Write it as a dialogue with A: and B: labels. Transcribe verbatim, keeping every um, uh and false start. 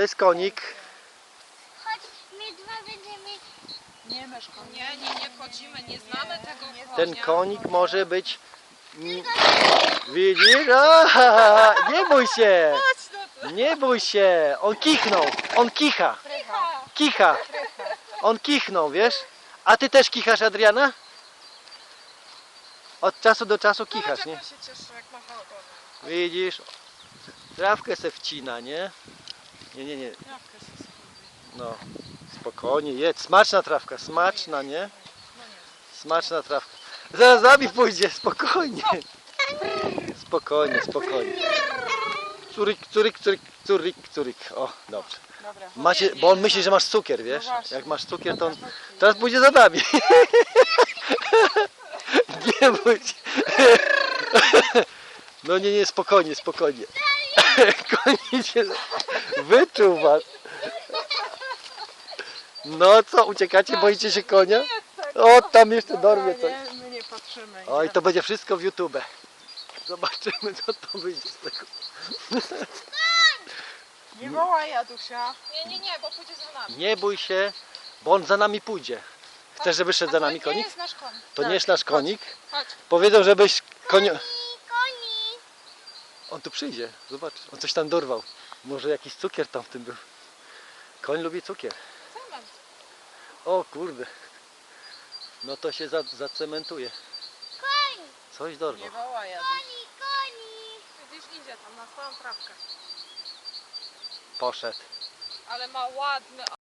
A: To jest konik.
B: Chodź, my dwa będziemy...
C: Nie masz konia.
D: Nie, nie, nie wchodzimy, nie znamy tego konia.
A: Ten konik może być... mm, Widzisz? A, nie bój się!
D: Chodź no to.
A: Nie bój się! On kichnął! On kicha!
D: Krycha.
A: Kicha! On kichnął, wiesz? A ty też kichasz, Adriana? Od czasu do czasu kichasz,
D: Zobacz,
A: nie?
D: jak on się cieszy, jak macha ogonem.
A: Widzisz? Trawkę se wcina, nie? Nie, nie, nie.
D: Trawkę się skubie.
A: No, spokojnie, jedz. Smaczna trawka, smaczna, nie? Smaczna trawka. Zaraz za nami pójdzie, spokojnie. Spokojnie, spokojnie. Curyk, curyk, curyk, curyk, curyk. O, dobrze.
C: Dobra, chodź.
A: Macie, bo on myśli, że masz cukier, wiesz?
C: No właśnie.
A: Jak masz cukier, to on teraz pójdzie za nami. Nie bój się. No nie, nie, spokojnie, spokojnie. Koń się wyczuł was. No co, uciekacie, boicie się konia? O, tam jeszcze dorwie coś.
C: Nie, my nie patrzymy.
A: Oj, to będzie wszystko w YouTube. Zobaczymy, co to wyjdzie z tego.
C: Nie wołaj, Adusia.
D: Nie, nie, nie, bo pójdzie za nami.
A: Nie bój się, bo on za nami pójdzie. Chcesz, żeby szedł za nami
D: A to nie
A: konik?
D: jest nasz koń.
A: To nie jest nasz konik.
D: Chodź.
A: Powiedzą, żebyś konio...
B: Koni!
A: On tu przyjdzie, zobacz. On coś tam dorwał. Może jakiś cukier tam w tym był. Koń lubi cukier.
D: Cement.
A: O kurde. No to się za, zacementuje.
B: Koń!
A: Coś dorwał.
C: Nie wołaj, Adusia.
B: Koni, koni!
D: Widzisz, idzie tam na swoją trawkę.
A: Poszedł.
D: Ale ma ładny